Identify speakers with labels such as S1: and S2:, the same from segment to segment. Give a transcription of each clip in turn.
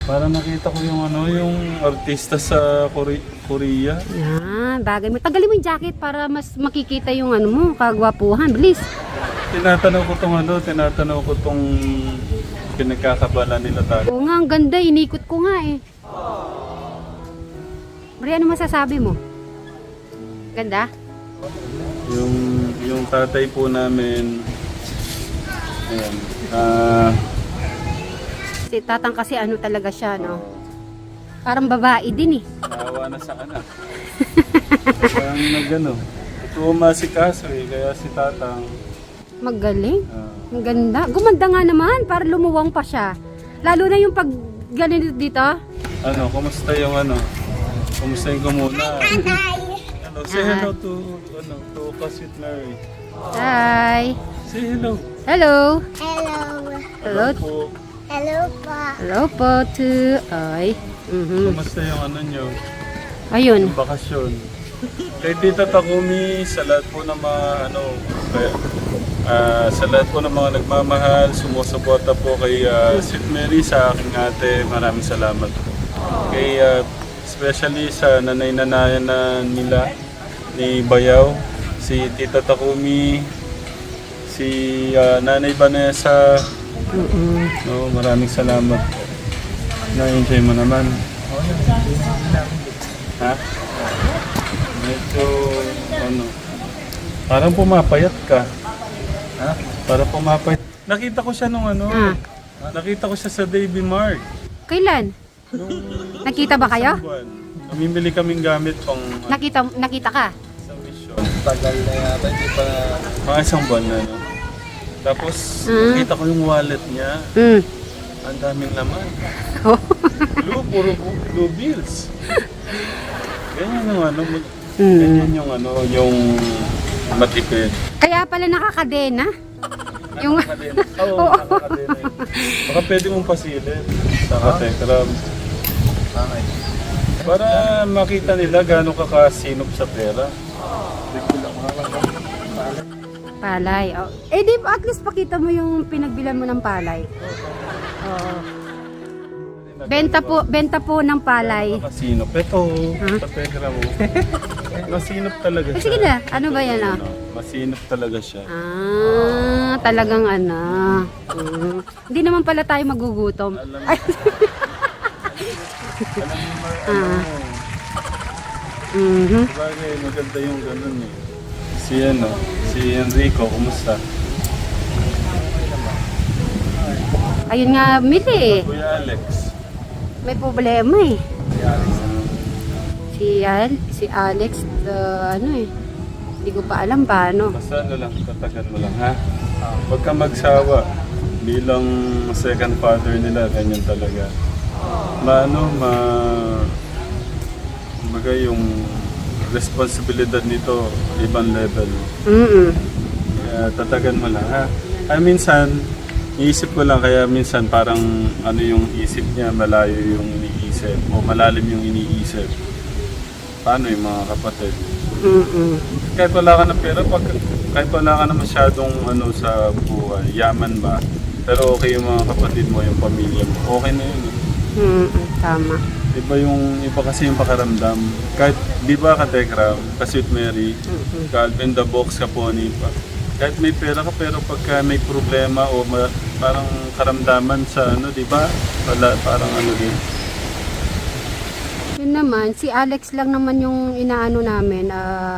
S1: Para nakita ko yung ano, yung artista sa Korea.
S2: Yan, bagay mo. Tagalin mo yung jacket para mas makikita yung ano mo, kagwapuhan. Bilis.
S1: Tinatanaw ko tong pinagkakabala nila tayo.
S2: Oo nga, ang ganda. Inikot ko nga eh. Bri, ano masasabi mo? Ganda?
S1: Yung tatay po namin, ayan,
S2: Si Tatang kasi ano talaga siya, no? Parang babae din eh.
S1: naawa na sa anak. Parang nagano, ito umasikaso eh, kaya si tatang,
S2: Magaling. Ang ganda. Gumanda nga naman, para lumuwang pa siya. Lalo na yung pag ganito dito.
S1: ano, kumusta yung ano, kumusta yung kumuna? Ano, say hello to, ano, to Kasit Mary.
S2: Hi.
S1: Say hello.
S2: Hello.
S3: Hello.
S2: Hello.
S1: Po.
S3: Hello po.
S2: Hello po to... Ay.
S1: Kumusta yung ano nyo,
S2: Ayun.
S1: yung bakasyon? Kay Tita Takumi, sa lahat po ng mga ano, sa lahat po ng mga nagmamahal, sumusuporta po kay Sweet Mary, sa aking ate, maraming salamat. Kay, especially sa nanay-nanayan na nila, ni Bayaw, si Tita Takumi, si Nanay Vanessa, no, maraming salamat. Na-enjoy mo naman. Ha? Medyo, ano, parang pumapayat ka. Ha? Parang pumapayat. Nakita ko siya nung ano, nakita ko siya sa Davy Mart.
S2: Kailan?
S1: Nung
S2: Nakita ba kayo?
S1: isang buwan. Namimili kaming gamit pang
S2: Nakita ka?
S1: sa mission. Tagal na yata, hindi pa... Mga isang buwan na, no? Tapos, nakita ko yung wallet niya. Ang daming laman. Puro blue bills. Ganyan yung ano, ganyan yung ano, yung matipid.
S2: Kaya pala nakakadena? Yung...
S1: Nakakadena. Oo, nakakadena yun. Baka pwede mong pasilin sa Katekram. Para makita nila gano'ng kakasinop sa pera.
S2: Palay. Oh. Eh di at least pakita mo yung pinagbilan mo ng palay. Oo. Benta po ng palay.
S1: Kasinop. Ito, sa Telegram mo. Masinop talaga
S2: Eh,
S1: siya.
S2: sige na. Ano ba yan ah?
S1: Ano, masinop talaga siya.
S2: Talagang ano. Hindi naman pala tayo magugutom.
S1: Alam mo,
S2: Ay,
S1: alam mo, sabagay, maganda yung ganun eh. Si Enrico, kumusta?
S2: Ayun nga, mili eh.
S1: Kuya Alex.
S2: May problema eh. Si Alex, ano eh. Hindi ko pa alam paano.
S1: Basta ano lang, tatagan mo lang ha. Huwag kang magsawa. Bilang second father nila, ganyan talaga. Kumbaga yung responsibilidad nito, ibang level. Kaya tatagan mo lang ha. Ay minsan, iisip ko lang kaya minsan parang ano yung isip niya, malayo yung iniisip o malalim yung iniisip. Paano yung mga kapatid? Kahit wala ka ng pera, kahit wala ka na masyadong ano sa buhay, yaman ba? Pero okay yung mga kapatid mo, yung pamilya mo, okay na yun.
S2: Tama.
S1: Iba kasi yung pakaramdam. Kahit, di ba Katekram, Sweet Mary, Calvin the Box, Kaponi pa. Kahit may pera ka, pero pagka may problema o parang karamdaman sa ano, di ba? Parang ano din.
S2: Yun naman, si Alex lang naman yung inaano namin,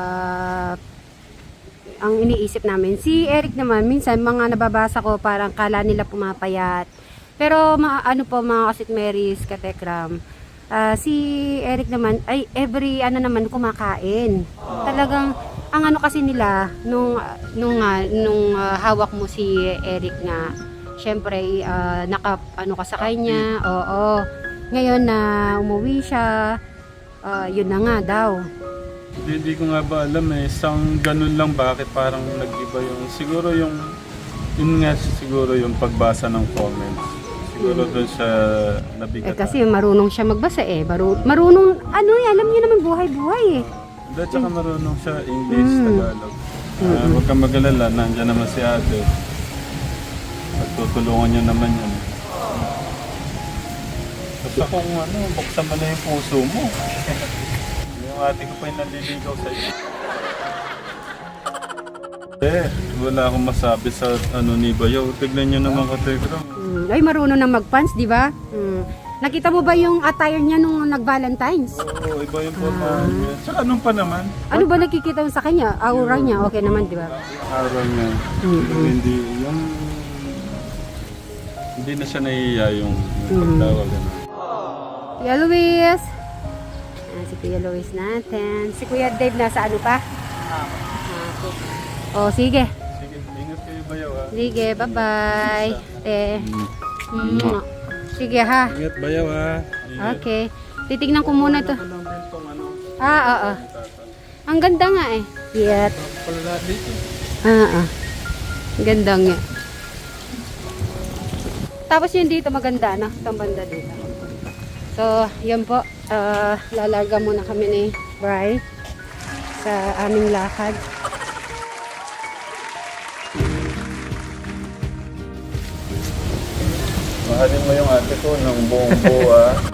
S2: ang iniisip namin. Si Eric naman, minsan mga nababasa ko parang kala nila pumapayat. Pero ano po mga Kasit Marys, Katekram, si Eric naman, ay every ano naman kumakain. Talagang, ang ano kasi nila, nung hawak mo si Eric nga, syempre, ano ka sa kanya, oo. Ngayon na umuwi siya, yun na nga daw.
S1: Hindi ko nga ba alam eh, isang ganun lang bakit parang nag-iba yung, siguro yung, yun nga siguro yung pagbasa ng comments. Siguro doon siya nabigat.
S2: Kasi marunong siya magbasa eh. Marunong, ano eh, alam niyo naman buhay-buhay eh.
S1: Hindi, tsaka marunong siya English, Tagalog. Huwag kang mag-alala, nandiyan naman si ate. Pagtutulungan niyo naman yan. Gusto kong buksan mo na yung puso mo. Yung ate ko pa yung naliligaw sa'yo. Wala akong masabi sa ni Bayaw. Tignan nyo naman katekram.
S2: Ay, marunong na mag-pants, di ba? Nakita mo ba yung attire niya nung nag-Valentine's?
S1: Oo, iba yung pormahan niya. Tsaka anong pa naman?
S2: Ano ba nakikita mo sa kanya? Aura niya, okay naman, di ba?
S1: Araw niya. Hindi, hindi na siya nahihiya yung pagtawag.
S2: Kuya Luis. Si Kuya Luis natin. Si Kuya Dave nasa ano pa? Oh, sige.
S1: Sige, ingat kayo Bayaw ha.
S2: Sige, bye-bye. Sige ha.
S1: Ingat Bayaw ha.
S2: Okay. Titignan ko muna to.
S1: Walang bentong
S2: Oo. Ang ganda nga eh. Yet.
S1: pala dito.
S2: Ang ganda nga. Tapos yun dito maganda, no? Itong banda dito. So, yun po. Lalarga muna kami ni Bri sa aming lakad.
S1: Mahalin mo yung ate ko ng buong buo ha.